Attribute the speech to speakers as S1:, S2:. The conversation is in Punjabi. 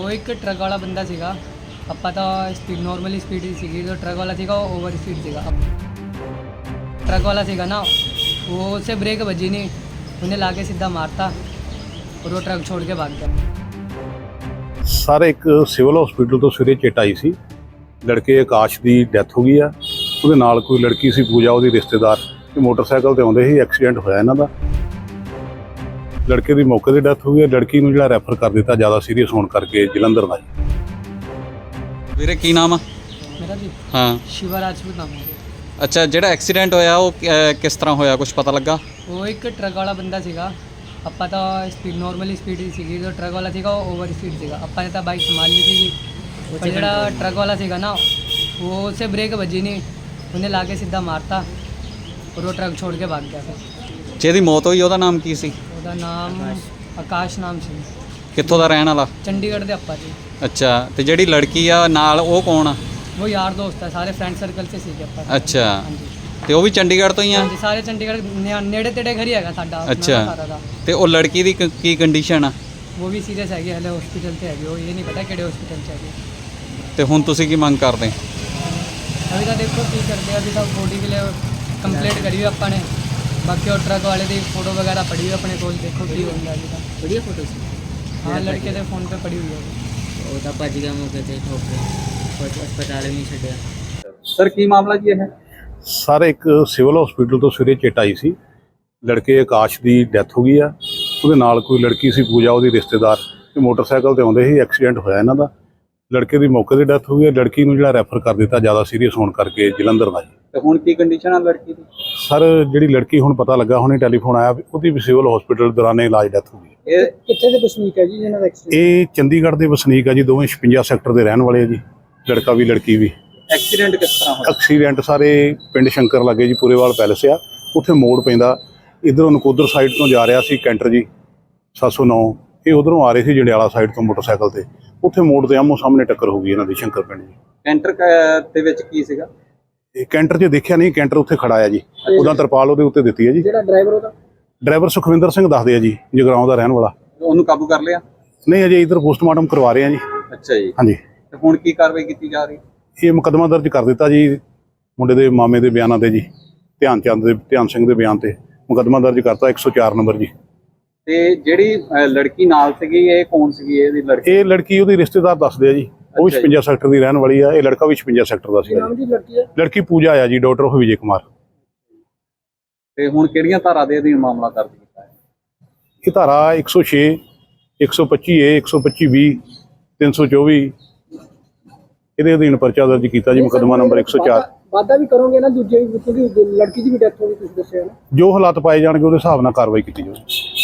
S1: वो एक ट्रक वाला बंदा सीगा। ਆਪਾਂ ਤਾਂ स्पीड नॉर्मली स्पीड ही सीगी, जो ट्रक वाला सीगा वो ओवर स्पीड सीगा। ट्रक वाला सीगा ना, वो उसे ब्रेक बजी नहीं, उन्हें लाके सीधा मारता और वो ट्रक छोड़ के भाग गया।
S2: सर एक सिविल हॉस्पिटल ਤੋਂ ਸਵੇਰੇ ਚਿੱਟ ਆਈ ਸੀ, ਲੜਕੇ ਆਕਾਸ਼ ਦੀ ਡੈਥ ਹੋ ਗਈ ਆ। ਉਹਦੇ ਨਾਲ ਕੋਈ ਲੜਕੀ ਸੀ ਪੂਜਾ, ਉਹਦੀ ਰਿਸ਼ਤੇਦਾਰ, ਤੇ ਮੋਟਰਸਾਈਕਲ ਤੇ ਆਉਂਦੇ ਸੀ, ਐਕਸੀਡੈਂਟ ਹੋਇਆ ਇਹਨਾਂ ਦਾ। ਲੜਕੇ ਦੀ ਮੌਕੇ ਤੇ ਡੈਥ ਹੋ ਗਈ ਹੈ। ਲੜਕੀ ਨੂੰ ਜਿਹੜਾ ਰੈਫਰ ਕਰ ਦਿੱਤਾ ਜ਼ਿਆਦਾ ਸੀਰੀਅਸ ਹੋਣ ਕਰਕੇ ਜਲੰਧਰ ਦਾ।
S3: ਵੀਰੇ ਕੀ ਨਾਮ ਆ?
S1: मेरा जी
S3: ਹਾਂ
S1: शिवा राजपूत नाम है।
S3: ਅੱਛਾ, ਜਿਹੜਾ ਐਕਸੀਡੈਂਟ ਹੋਇਆ ਉਹ ਕਿਸ ਤਰ੍ਹਾਂ ਹੋਇਆ, ਕੁਝ ਪਤਾ ਲੱਗਾ?
S1: वो एक ट्रक वाला बंदा सीगा। ਆਪਾਂ ਤਾਂ स्पीड नॉर्मली स्पीड ही सीगी, जो ट्रक वाला सीगा वो ओवर स्पीड सीगा। ਆਪਾਂ ने ਤਾਂ बाइक संभाल ली थी, पर ਜਿਹੜਾ ट्रक वाला सीगा ना, वो उसे ब्रेक बजी नहीं, उन्हें लाके सीधा मारता और वो ट्रक छोड़ के भाग गया। फिर
S3: ਜਿਹਦੀ ਮੌਤ ਹੋਈ ਉਹਦਾ ਨਾਮ ਕੀ ਸੀ?
S1: ਉਹਦਾ ਨਾਮ ਆਕਾਸ਼ ਨਾਮ ਸੀ।
S3: ਕਿੱਥੋਂ ਦਾ ਰਹਿਣ ਵਾਲਾ?
S1: ਚੰਡੀਗੜ੍ਹ ਦੇ ਆਪਾਂ ਜੀ।
S3: ਅੱਛਾ, ਤੇ ਜਿਹੜੀ ਲੜਕੀ ਆ ਨਾਲ ਉਹ ਕੌਣ ਆ?
S1: ਉਹ ਯਾਰ ਦੋਸਤ ਹੈ, ਸਾਰੇ ਫਰੈਂਡ ਸਰਕਲ 'ਚ ਸੀਗੇ ਆਪਾਂ।
S3: ਅੱਛਾ,
S1: ਹਾਂਜੀ
S3: ਤੇ ਉਹ ਵੀ ਚੰਡੀਗੜ੍ਹ ਤੋਂ ਹੀ ਆ?
S1: ਹਾਂਜੀ, ਸਾਰੇ ਚੰਡੀਗੜ੍ਹ ਨੇੜੇ ਤੇੜੇ ਘਰ ਹੀ ਹੈਗਾ ਸਾਡਾ
S3: ਅੱਛਾ।
S1: ਸਾਰਾ ਦਾ।
S3: ਤੇ ਉਹ ਲੜਕੀ ਦੀ ਕੀ ਕੰਡੀਸ਼ਨ ਆ?
S1: ਉਹ ਵੀ ਸੀਰੀਅਸ ਹੈਗੀ, ਹਲੇ ਹਸਪੀਟਲ 'ਤੇ ਹੈਗੀ। ਉਹ ਇਹ ਨਹੀਂ ਪਤਾ ਕਿਹੜੇ ਹਸਪੀਟਲ 'ਚ ਹੈਗੀ।
S3: ਤੇ ਹੁਣ ਤੁਸੀਂ ਕੀ ਮੰਗ ਕਰਦੇ?
S1: ਅਭੀ ਤਾਂ ਦੇਖੋ ਕੀ ਕਰਦੇ ਆ, ਅਭੀ ਤਾਂ ਬੋਡੀ के लिए ਕੰਪਲੇਂਟ ਕਰੀ ਹੋਈ ਆਪਾਂ ਨੇ। ਬਾਕੀ ਉਹ ਟਰੱਕ ਵਾਲੇ ਦੀ ਫੋਟੋ ਵਗੈਰਾ ਪੜੀ ਹੋਈ ਆਪਣੇ ਕੋਲ, ਦੇਖੋ ਕੀ ਹੁੰਦਾ ਅਭੀ ਤਾਂ।
S4: बढ़िया फोटो से
S1: ਹਾਂ, ਲੜਕੇ ਦੇ ਫੋਨ 'ਤੇ ਪੜੀ ਹੋਈ ਹੈ।
S4: वो तो भज गया मौके से ठोक के अस्पताल भी नहीं छड्डिया।
S3: ਸਰ ਕੀ ਮਾਮਲਾ ਜੀ ਇਹ?
S2: ਸਰ ਇੱਕ ਸਿਵਲ ਹਸਪੀਟਲ ਤੋਂ ਸਵੇਰੇ ਚਿੱਟ ਆਈ ਸੀ, ਲੜਕੇ ਆਕਾਸ਼ ਦੀ ਡੈਥ ਹੋ ਗਈ ਆ। ਉਹਦੇ ਨਾਲ ਕੋਈ ਲੜਕੀ ਸੀ ਪੂਜਾ, ਉਹਦੀ ਰਿਸ਼ਤੇਦਾਰ, ਤੇ ਮੋਟਰਸਾਈਕਲ ਤੇ ਆਉਂਦੇ ਸੀ, ਐਕਸੀਡੈਂਟ ਹੋਇਆ ਇਹਨਾਂ ਦਾ। ਲੜਕੇ ਦੀ ਮੌਕੇ ਤੇ ਡੈਥ ਹੋ ਗਈ ਹੈ। ਲੜਕੀ ਨੂੰ ਜਿਹੜਾ ਰੈਫਰ ਕਰ ਦਿੱਤਾ ਜ਼ਿਆਦਾ ਸੀਰੀਅਸ ਹੋਣ ਕਰਕੇ ਜਲੰਧਰ ਦਾ।
S3: ਤੇ ਹੁਣ ਕੀ ਕੰਡੀਸ਼ਨ ਆ ਲੜਕੀ ਦੀ?
S2: ਸਰ ਜਿਹੜੀ ਲੜਕੀ ਹੁਣ ਪਤਾ ਲੱਗਾ, ਹੁਣੇ ਟੈਲੀਫੋਨ ਆਇਆ ਵੀ ਉਹਦੀ ਵੀ ਸਿਵਲ ਹਸਪੀਟਲ ਦੌਰਾਨੇ ਇਲਾਜ ਡੈਥ ਹੋ ਗਈ।
S3: ਇਹ
S1: ਕਿੱਥੇ ਦੇ ਵਸਨੀਕ ਹੈ ਜੀ ਇਹਨਾਂ ਦਾ ਐਕਸੀਡੈਂਟ?
S2: ਇਹ ਚੰਡੀਗੜ੍ਹ ਦੇ ਵਸਨੀਕ ਆ ਜੀ, ਦੋਵੇਂ 56 ਸੈਕਟਰ ਦੇ ਰਹਿਣ ਵਾਲੇ ਆ ਜੀ, ਲੜਕਾ ਵੀ ਲੜਕੀ ਵੀ।
S3: ਐਕਸੀਡੈਂਟ ਕਿਸ ਤਰ੍ਹਾਂ ਹੋਇਆ?
S2: ਐਕਸੀਡੈਂਟ ਸਾਰੇ ਪਿੰਡ ਸ਼ੰਕਰ ਲੱਗੇ ਜੀ, ਪੂਰੇਵਾਲ ਪੈਲਸ ਆ, ਉੱਥੇ ਮੋੜ ਪੈਂਦਾ। ਇੱਧਰੋਂ ਨਕੋਦਰ ਸਾਈਡ ਤੋਂ ਜਾ ਰਿਹਾ ਸੀ ਕੈਂਟਰ ਜੀ 709, ਇਹ ਉਧਰੋਂ ਆ ਰਹੇ ਸੀ ਜੰਡਿਆਲਾ ਸਾਈਡ ਤੋਂ ਮੋਟਰਸਾਈਕਲ ਤੇ। ਉੱਥੇ ਮੋੜ ਦੇ ਆਮੋ ਸਾਹਮਣੇ ਟੱਕਰ ਹੋ ਗਈ ਇਹਨਾਂ ਦੀ ਸ਼ੰਕਰ ਪਿੰਡ ਜੀ।
S3: ਕੈਂਟਰ ਦੇ ਵਿੱਚ ਕੀ ਸੀਗਾ?
S2: ਇਹ ਕੈਂਟਰ 'ਚ ਦੇਖਿਆ ਨਹੀਂ, ਕੈਂਟਰ ਉੱਥੇ ਖੜਾ ਆ ਜੀ, ਉਹਦਾ ਤਰਪਾਲ ਉਹਦੇ ਉੱਤੇ ਦਿੱਤੀ ਹੈ ਜੀ।
S1: ਜਿਹੜਾ ਡਰਾਈਵਰ ਉਹਦਾ?
S2: ਡਰਾਈਵਰ ਸੁਖਵਿੰਦਰ ਸਿੰਘ ਦੱਸਦੇ ਆ ਜੀ, ਜਗਰਾਉਂ ਦਾ ਰਹਿਣ ਵਾਲਾ।
S3: ਉਹਨੂੰ ਕਾਬੂ ਕਰ ਲਿਆ?
S2: ਨਹੀਂ, ਅਜੇ ਇੱਧਰ ਪੋਸਟਮਾਰਟਮ ਕਰਵਾ ਰਹੇ ਆ ਜੀ।
S3: ਅੱਛਾ ਜੀ,
S2: ਹਾਂਜੀ,
S3: ਤੇ ਹੁਣ ਕੀ ਕਾਰਵਾਈ ਕੀਤੀ ਜਾ ਰਹੀ?
S2: ਇਹ ਮੁਕੱਦਮਾ ਦਰਜ ਕਰ ਦਿੱਤਾ ਜੀ ਮੁੰਡੇ ਦੇ ਮਾਮੇ ਦੇ ਬਿਆਨਾਂ ਤੇ ਜੀ, ਧਿਆਨ ਸਿੰਘ ਦੇ ਬਿਆਨ ਤੇ ਮੁਕੱਦਮਾ ਦਰਜ ਕਰਤਾ 104 ਨੰਬਰ ਜੀ।
S3: ਤੇ ਜਿਹੜੀ ਲੜਕੀ ਨਾਲ ਸੀਗੀ ਇਹ ਕੌਣ ਸੀਗੀ? ਇਹਦੀ ਲੜਕੀ?
S2: ਇਹ ਲੜਕੀ ਉਹਦੀ ਰਿਸ਼ਤੇਦਾਰ ਦੱਸਦੇ ਆ ਜੀ, ਉਹ ਵੀ
S3: ਅੱਛਾ ਜੀ।
S2: 56 ਸੈਕਟਰ ਦੀ ਰਹਿਣ ਵਾਲੀ ਆ। ਇਹ ਲੜਕਾ ਵੀ 56 ਸੈਕਟਰ ਦਾ ਸੀ। ਲੜਕੀ ਪੂਜਾ ਆ ਜੀ, ਡਾਕਟਰ ਵਿਜੇ ਕੁਮਾਰ।
S3: ਤੇ ਹੁਣ ਕਿਹੜੀਆਂ ਧਾਰਾ ਦੇ ਅਧੀਨ ਮਾਮਲਾ ਦਰਜ ਕੀਤਾ ਹੈ?
S2: ਇਹ ਧਾਰਾ 106, 125A, 125B, 324 ਇਹਦੇ ਅਧੀਨ ਪਰਚਾ ਦਰਜ ਕੀਤਾ ਜੀ, ਮੁਕੱਦਮਾ ਨੰਬਰ 104।
S1: ਵਾਦਾ ਵੀ ਕਰੋਗੇ ਨਾ ਦੂਜੇ, ਕਿਉਂਕਿ ਲੜਕੀ ਦੀ ਵੀ ਡੈਥ ਹੋ ਗਈ ਤੁਸੀਂ ਦੱਸਿਆ ਨਾ।
S2: ਜੋ ਹਾਲਾਤ ਪਾਏ ਜਾਣਗੇ ਉਹਦੇ ਹਿਸਾਬ ਨਾਲ ਕਾਰਵਾਈ ਕੀਤੀ ਜਾਊਗੀ।